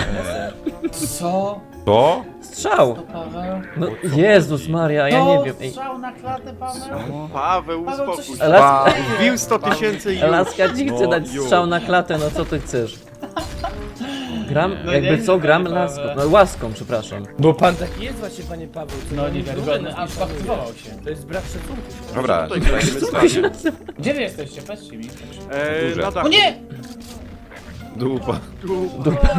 E: Co?
A: To?
C: Strzał!
E: To Paweł?
C: No
A: O co
C: Jezus
A: chodzi?
C: Maria, ja
E: To
C: nie wiem. Ej,
E: strzał na klatę, Paweł?
D: Paweł,
E: Paweł,
D: uspokój
E: coś
D: się.
C: Laska,
D: Wbił 100 tysięcy i już.
C: laska ci chce
A: No,
C: dać
A: już.
C: strzał na klatę, no co ty chcesz? Gram,
E: No
C: jakby
E: nie,
C: co, gram
E: Paweł.
C: laską. No łaską, przepraszam.
B: Bo pan taki jest właśnie, panie Paweł. co
E: No
B: pan
E: niewiarygodny,
B: nas
E: aż
B: nie szanuje.
E: aktywował się.
B: To jest brak szacunku.
A: Dobra,
D: Tutaj
A: zostajemy stanie.
E: Gdzie wy jesteście? Powiedzcie mi.
A: Duże.
D: Na
E: O
D: dachu.
E: nie!
A: Dupa.
E: Dupa!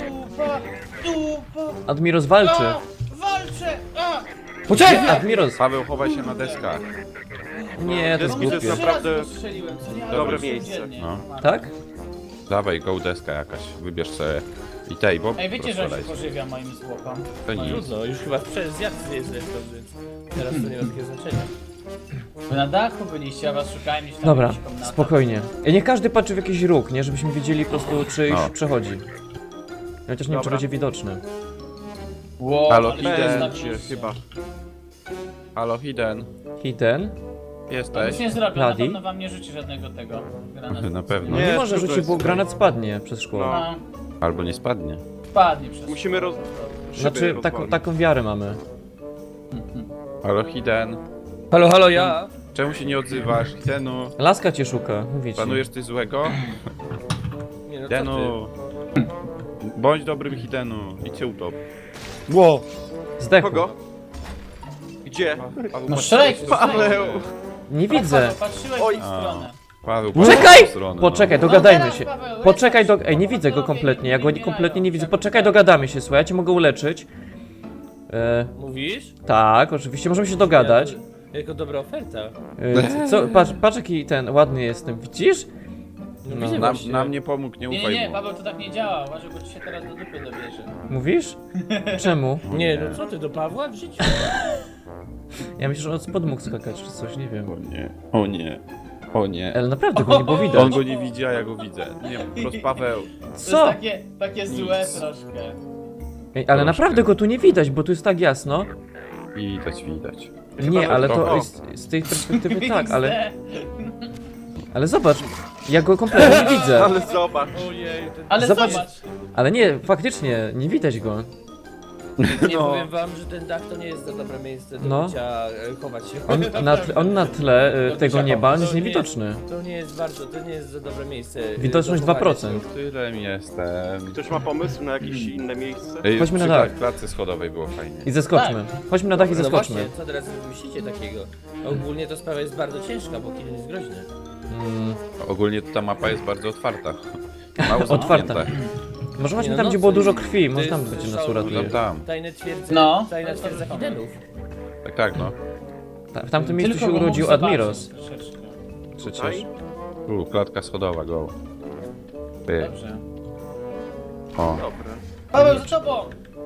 C: Admiros walczy.
E: A, walczę! A!
C: Poczekaj! Admiros!
A: Paweł, chowaj się na deskach.
C: Nie, to jest
D: Deski to
C: głupie.
D: jest naprawdę
E: Strzeliłem, co nie?
D: dobre
E: Ale
D: miejsce.
E: dziennie.
A: No.
C: Tak?
A: Dawaj, go deska jakaś. Wybierz sobie. I tej, bo
E: Ej, wiecie, że on się
A: rozstrzelaj.
E: pożywia moim zwłokom.
A: To nic.
B: Trudno, już chyba zjadł jest zresztą, więc teraz to nie ma takiego znaczenia.
E: Wy na dachu byliście, a was szukałem gdzieś tam
C: Dobra,
E: w jakichś komnatach.
C: spokojnie. Niech każdy patrzy w jakiś róg, nie? Żebyśmy wiedzieli po prostu, czy już
A: No.
C: przechodzi. Chociaż nie wiem, czy
D: Dobra.
C: będzie widoczny.
E: Wow,
A: Halo,
E: ale
A: idę.
E: to jest na
D: Będzie
E: plusy.
D: chyba.
A: Halo, Hidden.
C: Hidden?
E: To
A: Jesteś?
E: nic nie zrobię, na
C: Bloody?
E: pewno wam nie rzuci żadnego tego granatu.
A: Na pewno.
C: No
D: Nie,
C: nie może
D: trudno
C: rzucić,
D: jest
C: bo
D: tutaj.
C: granat spadnie przez szkło.
D: No.
E: No,
A: Albo nie spadnie.
E: spadnie przez...
D: Musimy szyby
C: Znaczy,
D: rozwalić.
C: taką wiarę mamy.
A: Halo, Hidden.
B: Halo, ja?
A: Czemu się nie odzywasz? Hiddenu.
C: Laska cię szuka, mówię ci.
A: Planujesz coś złego?
B: Nie, no co ty?
A: Hiddenu. Bądź dobrym Hiddenu. I cię utop.
C: Zdechł.
D: Kogo? Gdzie?
E: No strzelaj,
D: Paweł!
C: Nie widzę.
E: Patrzyłeś
D: Oj.
E: w tę stronę.
A: Paweł,
C: Czekaj!
A: patrz w stronę, no.
C: Poczekaj,
E: No
C: dogadajmy
E: teraz,
C: się.
E: Paweł,
C: Poczekaj,
E: lecz.
C: Ej, nie widzę go kompletnie, ja go kompletnie nie widzę. Poczekaj, dogadamy się, słuchaj, ja cię mogę uleczyć.
B: Mówisz?
C: Tak, oczywiście, możemy się dogadać.
B: Jako dobra oferta.
C: Co? Patrz jaki ten ładny jestem, widzisz?
B: No,
C: No,
B: widzę
A: Nam,
B: właśnie.
A: nam nie pomógł, nie
E: Nie,
A: ufaj
E: nie,
A: mu.
E: Paweł, to tak nie działa. Uważaj, bo ci się teraz do dupy dobierze.
C: Mówisz? Czemu?
B: Nie, no co ty, do Pawła w życiu?
C: Ja myślę, że on spod mógł skakać czy coś, nie wiem.
A: O nie, o nie, o nie.
C: Ale naprawdę go nie było
A: On
C: widać.
A: go nie widzi, a ja go widzę. Nie, po prostu Paweł.
E: To
C: Co?
E: jest takie złe troszkę.
C: Ej, ale naprawdę go tu nie widać, bo tu jest tak jasno.
A: Widać, widać.
C: Nie, ale to
A: trochę.
C: jest z tej perspektywy tak, ale...
E: XD.
C: Ale zobacz, ja go kompletnie nie widzę.
D: Ale zobacz.
B: Ojej, ten...
E: Ale
C: Zobacz.
E: zobacz.
C: Ale nie, faktycznie, nie widać go.
B: Nie
A: No.
B: powiem wam, że ten dach to nie jest za dobre miejsce do
C: No.
B: bycia, chować się.
C: On na tle tego nieba jest
B: To nie
C: niewidoczny.
B: To nie jest bardzo, to nie jest za dobre miejsce.
C: Widoczność
B: do chowania
C: 2%.
A: Którym jestem?
D: Ktoś ma pomysł na jakieś inne miejsce?
A: Ej,
C: Chodźmy na
A: przy
C: dach.
A: klatce schodowej było fajnie.
C: I zeskoczmy. Chodźmy na dach i
B: No
C: zeskoczmy.
B: właśnie, co teraz myślicie takiego? Ogólnie to sprawa jest bardzo ciężka, bo Kidon jest groźny.
A: Ogólnie ta mapa jest bardzo otwarta. Mało
C: Otwarta.
A: zamknięta.
C: Może właśnie
B: Nie,
C: tam,
B: no
C: gdzie
B: co
C: było
B: jest-
C: dużo krwi,
B: to
C: może tam
B: jest
C: będzie nas
B: szał-
C: uratuje.
A: Tam.
B: Tajne twierdze,
E: No.
B: tajna twierdza Hidenów.
A: Tak, tak, no.
C: W tamtym miejscu się
E: go
C: urodził
E: mógł
C: Admiros.
E: zobaczyć troszeczkę.
C: Przecież.
A: Klatka schodowa, go. Ty.
E: Dobrze.
A: O.
D: Dobra.
E: Paweł, za tobą!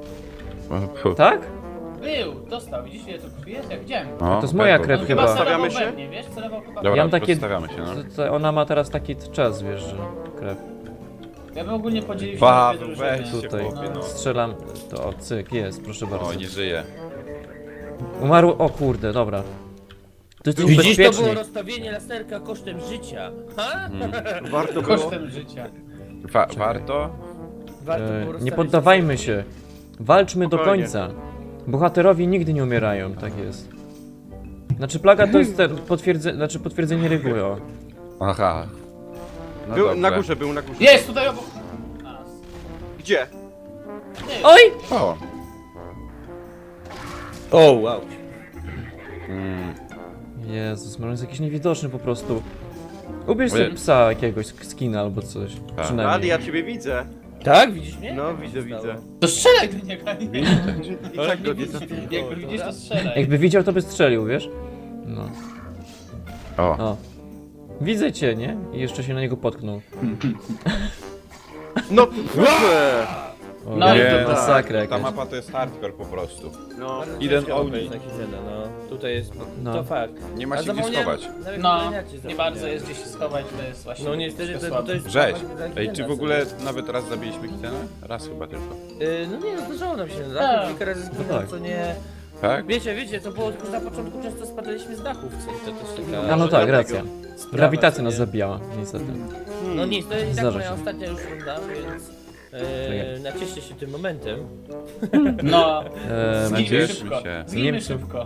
A: Fu.
C: Tak?
E: Był, dostał. Widzisz, ile tu krwi jest? Jak widziałem.
A: O,
C: To jest moja
A: tak,
C: krew
E: On
C: chyba.
E: chyba
D: Stawiamy
E: celował
D: się?
E: we mnie, wiesz? Celował chyba
A: Dobra,
C: Ja mam takie-
A: stawiamy się, no.
C: Ona ma teraz taki czas, wiesz, że krew.
E: Ja bym ogólnie podzielił się na
A: Paweł,
E: dwie drużyny.
A: weź się,
C: Tutaj
A: chłopie, no.
C: strzelam. To o, cyk, jest, proszę bardzo.
A: O, nie żyje.
C: Umarł, o kurde, dobra. To jest
B: Widzisz, to
C: bezpieczniej.
B: było rozstawienie laserka kosztem życia. Ha?
D: Warto było.
E: Kosztem życia.
A: Warto?
B: Warto było
C: Nie
B: rozstawić
C: poddawajmy się. Walczmy do
D: Spokojnie.
C: końca. Bohaterowie nigdy nie umierają, tak jest. Znaczy plaga to jest potwierdzenie reguły, o.
A: Aha. No
D: Był
A: dobrze.
D: na górze, był na górze.
E: Jest tutaj obok nas.
D: Gdzie?
C: Oj!
A: O.
B: O, wow.
A: Mm.
C: Jezus, może jest jakiś niewidoczny po prostu. Ubierz
A: Ojej.
C: sobie psa jakiegoś, skina albo coś.
A: Tak.
D: Rady,
C: Przynajmniej.
D: ja ciebie widzę.
B: Tak, widzisz mnie?
D: No,
B: Jak
D: widzę,
B: się stało?
D: widzę.
E: To strzelaj do niego.
D: I tak go nie zabiję.
E: Jakby widzisz, to strzelaj.
C: Jakby widział, to by strzelił, wiesz? No.
A: O.
C: O. Widzę cię, nie? I jeszcze się na niego potknął.
D: No, proszę!
C: O,
E: No i
C: nie,
E: to
C: masakra
A: Ta
C: jakaś.
A: mapa to jest hardcore po prostu.
D: No.
B: Bardzo
A: Jeden
B: ciężko
A: ogni.
B: wejść na Hidena, no. Tutaj jest,
C: No.
B: to fakt.
A: Nie ma
B: A
A: się gdzie
B: zapomniałem-
A: schować.
B: nawet
E: No,
B: zapomniałem, jak
E: nie
B: się
E: bardzo
B: zapomniałem.
E: jest gdzie się schować, to jest właśnie.
B: No niestety
E: troszkę
B: to jest...
A: Rzeź.
B: dla
A: Ej,
B: Hidena,
A: czy w
B: co
A: ogóle
B: nie?
A: nawet raz zabiliśmy Hitena? Raz chyba tylko.
B: No nie, no zdarzało nam się na
E: Tak.
B: dachu, kilka razy
C: No tak.
B: co nie...
A: Tak?
B: Wiecie, to było na początku często spadaliśmy z dachów, to też taka...
C: A no tak,
D: dlatego.
C: racja.
B: sprawa,
C: Grawitacja
B: co
C: nas
B: nie?
C: zabijała, niestety.
B: No nic, to jest i tak
C: Zdarza
B: moja
C: się.
B: ostatnia już runda, więc... nacieszcie się tym momentem.
E: No,
C: Eee,
E: zginimy
A: Nacieszmy
E: szybko.
A: się.
E: Zginimy
C: Niemcy.
E: szybko.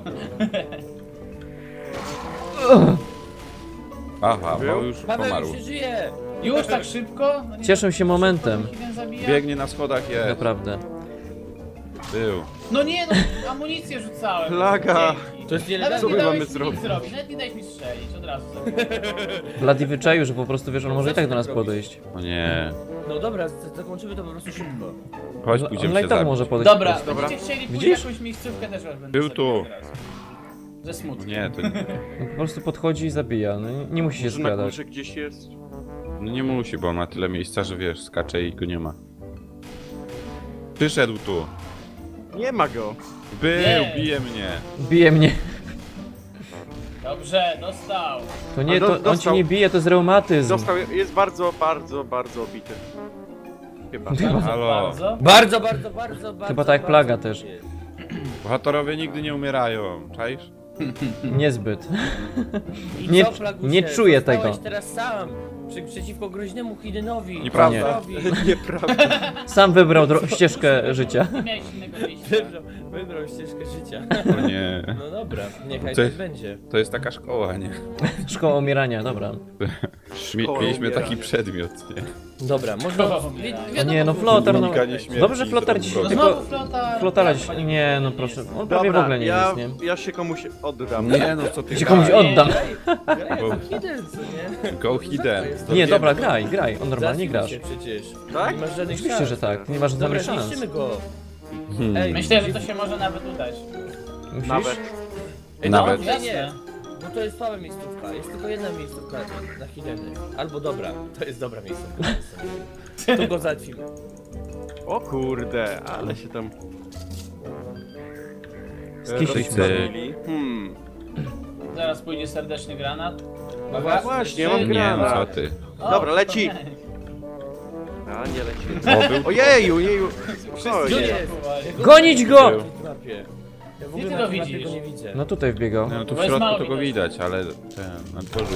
A: Aha, bo
D: Był?
A: już
B: Paweł
A: pomarł.
B: już się żyje!
E: Już tak szybko? No nie
C: Cieszę
E: tak
C: się
E: szybko,
C: momentem.
E: Hiden zabija?
A: Biegnie na schodach, jest.
C: Naprawdę.
A: Był.
E: No nie, no amunicję rzucałem.
D: Plaga.
E: Dzięki.
B: To jest
E: Nawet
B: nielegalne.
D: Co
E: nie
D: my
E: dałeś
D: mamy
E: mi
D: zrobić?
E: nic zrobić, nawet nie dałeś mi strzelić, od razu zabiłem.
C: Bloody wyczaił, że po prostu wiesz, on może i tak do nas
B: Zawsze tak
C: podejść.
A: O nie.
B: No dobra, zakończymy to po prostu szybko.
A: Chodź,
C: On
A: pójdziemy
C: i
A: się
C: tak
A: zabić.
C: może podejść.
E: Dobra,
C: po prostu.
E: będziecie chcieli pójść
C: Widzisz?
E: jakąś miejscówkę, też was będę
A: Był
E: zabijał
A: tu.
E: teraz. Ze smutku.
A: Nie, to nie.
C: On po prostu podchodzi i zabija, no nie musi się
D: Może na
C: skradać.
D: górze gdzieś jest?
A: No nie musi, bo on ma tyle miejsca, że wiesz, skacze i go nie ma. Przyszedł tu.
D: Nie ma go.
A: Był,
E: Nie.
A: bije mnie.
C: Bije mnie.
E: Dobrze, dostał.
C: To nie,
D: A
C: to on cię
D: dostał.
C: nie bije, to jest reumatyzm.
D: Został, jest bardzo, bardzo, bardzo obity. Chyba.
C: Chyba,
A: Halo.
E: Bardzo.
B: Bardzo.
C: Chyba tak jak plaga też.
A: Bohaterowie nigdy nie umierają, czaisz?
C: niezbyt.
B: I
C: Nie-
B: co, Plagusie?
C: nie czuję
B: Zostałeś
C: tego.
B: teraz sam. Przeciwko groźnemu Hidenowi.
A: Nieprawda.
B: Co zrobisz?
D: Nieprawda.
C: Sam wybrał ścieżkę życia.
E: Nie miałeś innego wyjścia.
B: Wybrał ścieżkę życia.
A: O nie.
B: No dobra, niechaj
A: Co-
B: tak będzie.
A: To jest taka szkoła, nie?
C: Szkoła umierania, dobra.
A: Mieliśmy
D: umierania.
A: taki przedmiot, nie?
B: Dobra, można...
E: Szkoła umierania.
C: O nie, no Flotar, no.
A: Unikanie śmierci
C: Dobrze
A: z
C: Flotar
A: rąk
C: dzisiaj
A: wroga.
C: tylko...
E: Znowu flota.
C: Flotara,
E: chyba
C: nie no
E: jest.
C: proszę, on prawie w
D: Dobra,
C: ogóle nie
D: ja,
C: jest, nie?
D: ja się komuś oddam.
A: Nie no, co ty
C: Się komuś
A: graj?
C: oddam.
A: Bo-
B: Hiden, co nie?
A: Go hidden.
C: Nie, dobra, graj, on normalnie
B: Zabił
C: grasz.
B: się przecież.
D: Tak?
B: Nie masz żadnych
C: Oczywiście,
B: szans.
C: że tak, nie masz
B: Dobra,
C: żadnych szans.
B: zniszczymy go.
A: Hmm.
B: Ej,
E: Myślę, że to się może nawet udać.
C: Musisz?
D: Nawet.
B: Ej,
F: Nawet-
B: No, nie, nie,
E: Jasne.
B: bo to jest słaba miejscówka. Jest tylko jedna miejscówka na Hideny. Albo dobra, to jest dobra miejscówka. Tu go załatwimy.
D: O kurde, ale się tam...
C: Skiszyliśmy.
D: rozpalili.
E: Zaraz pójdzie serdeczny granat.
D: Właśnie, mam
F: Nie, no
D: granat.
F: co ty.
E: O,
D: Dobra, leci.
E: nie.
D: A, nie leci.
F: O, był...
D: Ojeju, jeju.
B: Gdzie
D: Spokojnie.
B: jest?
C: Gonić go!
F: Był.
B: Mapie. Ja w
E: Gdzie
B: ogóle
E: ty
B: na
E: go
B: tej mapie
E: widzisz?
B: go nie widzę.
C: No tutaj wbiegał.
F: No tu
E: Bo
F: w
E: jest
F: środku
E: mało
F: to go
E: widać.
F: widać, ale ten, na dworzu.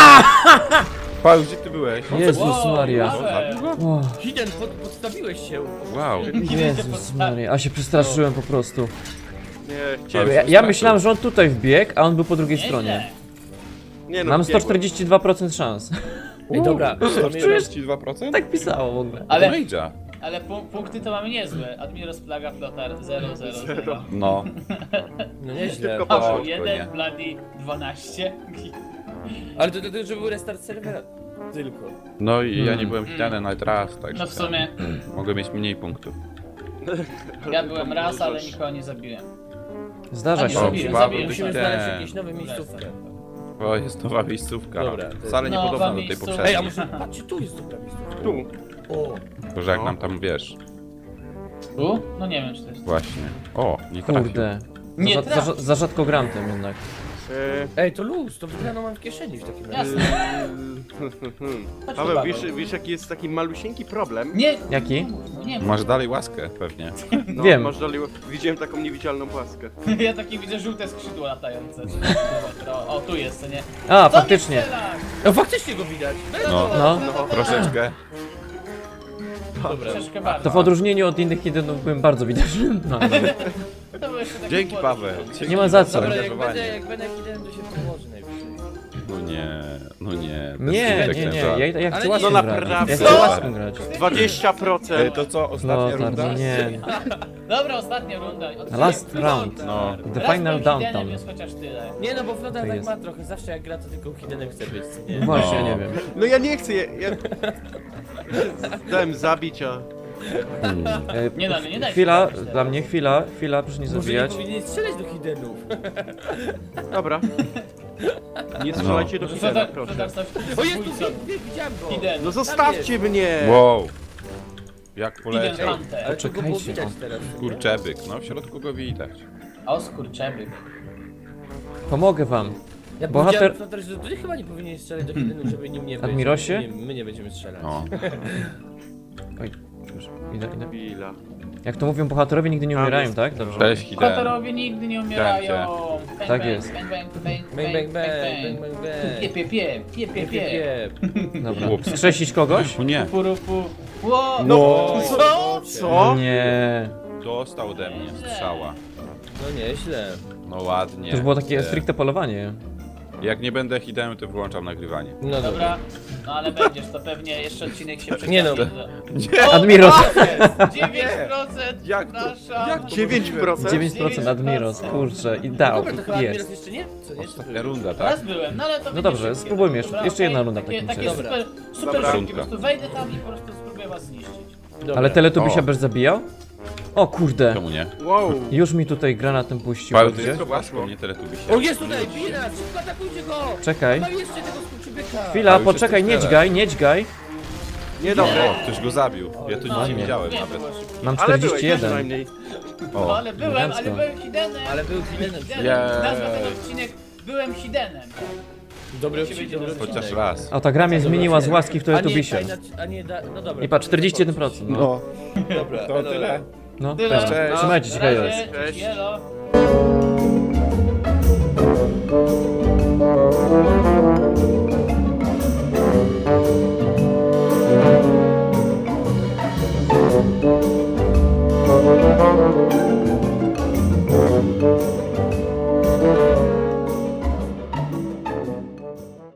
F: Paweł, gdzie ty byłeś?
C: Jezus Maria.
E: Paweł.
C: Wow.
B: Hiden, podstawiłeś się.
F: Wow.
C: Jezus Maria, a się przestraszyłem po prostu.
D: Nie, chciałem...
C: Ja myślałem, że on tutaj wbiegł, a on był po drugiej
E: Nieźle.
C: stronie.
D: Nie no,
C: Mam
D: biegłem.
C: 142% szans.
B: Ej, dobra.
F: 142%?
C: Tak pisało w ogóle.
E: Ale,
F: Rage'a.
E: ale punkty to mamy niezłe. Admiros, Plaga, Flotar 0, 0, 0.
F: No.
B: No nieźle.
D: Tylko
E: Paweł
F: Spoko,
E: 1,
F: nie.
E: Bloody 12.
B: Ale to że był restart serwera. Tylko.
F: No i ja nie byłem hitany nawet raz, także...
E: No w sumie,
F: Mogę mieć mniej punktów.
E: ja byłem raz, ale nikogo nie zabiłem.
C: Zdarza
E: A nie
C: się.
E: zabiłem,
F: Paweł,
E: zabiłem.
B: Musimy
F: ten.
B: znaleźć jakieś nowe miejscówkę.
F: O, jest nowa miejscówka.
B: Dobra, to jest-
F: Wcale nie
E: Nowa
F: podobna do tej
E: miejscówka.
B: Ej, a
F: poprzedniej.
B: może patrzcie, tu jest dobra miejscówka.
D: Tu.
B: O,
F: Tylko, że jak nam tam wiesz.
E: Tu? No nie wiem, czy to jest.
F: Właśnie. O, nie trafił.
C: Kurde.
E: Nie
C: Za,
E: trafił.
C: za rzadko gram tym jednak.
B: ej, to luz, to wygraną mam w kieszeni w takim razie.
E: Jasne. Chodź tu,
D: Paweł, wiesz jaki jest taki malusieńki problem?
E: Nie!
C: Jaki?
E: No nie,
F: Masz dalej łaskę pewnie.
D: No,
C: Wiem.
D: Masz dalej... Widziałem taką niewidzialną płaskę.
E: ja takie widzę żółte skrzydła latające. O, tu jest, co nie?
C: A,
E: Co
C: faktycznie.
E: mnie strzelasz?
B: No faktycznie go widać.
F: No,
C: No.
F: troszeczkę.
B: Dobra.
E: Troszeczkę bardzo.
C: To w odróżnieniu od innych jedynów byłem bardzo widoczny. No,
E: To był jeszcze taki
F: Dzięki
E: płot.
F: Paweł.
C: nie ma za co.
B: Dobra, jak
F: Zaangażowanie.
B: będę Hidden, to się pomoże najwyżej.
F: No nie, no nie.
C: Nie,
F: bez
C: nie, nie.
F: żart.
C: Ja chcę
B: Ale
C: łaską
D: no
C: grać.
D: naprawdę.
C: Ja chcę łaską grać.
D: 20%.
A: To co, ostatnia
C: No,
A: runda?
C: tak, nie.
E: Dobra, ostatnia runda.
C: Last round.
F: No.
C: The
E: Raz
C: final
E: byłem
C: downtown.
E: Hidenem, więc chociaż tyle.
B: Nie no, bo Flotar
C: To
B: tak
C: jest.
B: ma trochę, zawsze jak gra to tylko Hidenem chce być, co nie?
C: Właśnie,
F: No.
C: nie wiem.
D: No ja nie chcę, ja... Dałem zabić, a...
C: E,
E: Nie da, nie da się
C: Chwila,
E: zabić teraz.
C: dla mnie chwila, proszę nie
B: Może nie
C: zabijać.
B: powinien strzelać do Hidenów.
D: Dobra. Nie strzelajcie do Hidena,
E: Flotar,
D: proszę.
E: Flotar, stał się
B: O, jest tu,
E: zabójcą.
B: widziałem go.
E: Hiden.
D: No zostawcie mnie!
F: Wow. Jak
E: Hiden
F: poleciał.
E: Hunter.
B: Ale to go było
C: Poczekajcie,
B: widać
C: o.
B: teraz.
F: Kurczebyk, no w środku go widać.
E: O, skurczeby.
C: Pomogę wam.
B: Ja
C: Bohater-
B: powiedziałem, Flotar, że ty chyba nie powinien strzelać do Hidenów, żeby nim nie być.
C: Admirosie?
B: My nie będziemy strzelać.
F: O.
C: Oj, już, idę.
D: Chwila.
C: Jak to mówią, bohaterowie nigdy nie
D: Tam
C: umierają,
D: jest.
C: tak? Dobrze.
F: Cześć Hiden.
E: Kotorowie nigdy nie umierają. Bang,
C: Tak
E: bang,
C: jest.
E: Bang, bang, bang,
B: Bang, bang, bang, bang, bang,
E: Pie,
B: bang.
E: pie, pie, pie, pie, pie.
C: Dobra.
F: Ups.
C: Skrzesić kogoś?
F: O nie,
E: Purupu. Ło!
D: No, co? Co?
C: Nie.
F: dostał ode mnie strzała.
B: No nieźle.
F: No ładnie.
C: To już było takie stricte polowanie.
F: Jak nie będę Hidenem, to wyłączam nagrywanie.
B: No dobra.
E: Dobra, no ale będziesz, to pewnie jeszcze odcinek się przeciągnie.
B: Nie no.
C: Admiros.
E: 9%!
A: Jak to?
E: Przepraszam.
A: Jak to
D: 9%?
C: 9% Admiros, kurczę, i dał,
B: Dobra, to chyba Admiros
C: jest.
B: jeszcze nie? Co nie?
F: Ostatnia runda, tak?
E: Raz byłem, no ale to będzie
C: dobrze,
E: szybkie.
C: spróbujmy jeszcze-
E: Dobra,
C: jeszcze jedna
E: okej,
C: runda w
E: takie,
C: takim
E: takie
C: razie.
E: super, super
F: Dobra.
E: szybkie, po prostu wejdę tam i po prostu spróbuję was zniszczyć.
B: Dobra.
C: Ale Teletubby
F: O.
C: się bez zabijał? O kurde,
F: Czemu nie?
D: Wow.
C: już mi tutaj granatem puścił.
F: Paweł, to
C: widzicie?
F: jest łaską, nie teletubi się.
B: O, jest tutaj, bije nas! Szybko atakujcie go!
C: Czekaj.
B: Mam jeszcze tego skurczybyka!
C: Chwila,
F: Ale już
C: poczekaj,
F: jesteś
C: nie dźgaj, nie dźgaj.
D: Niedobre.
F: O, ktoś go zabił. Ja to nic nie widziałem
E: Nie,
F: nawet.
E: było szybkie.
C: Mam
D: Ale byłeś
C: 41.
D: przynajmniej.
E: No
F: O,
E: ale byłem,
C: elegancko.
E: ale byłem Hidenem.
B: Ale był Hidenem.
E: Hidenem.
F: Jej.
E: Nazwa ten odcinek Byłem Hidenem.
B: Dobry
E: Się będzie
B: odcinek.
F: chociaż raz.
C: A ta gra mnie zmieniła z łaski w
B: A nie,
C: Teletubbisie.
B: a nie, no dobra.
C: I patrz, 41%. No,
A: No,
B: Dobra,
A: to tyle.
C: no
E: Tyle.
C: cześć.
A: Cześć.
C: Trzymajcie się,
E: Na razie,
C: hejos.
D: Cześć.
E: Elo.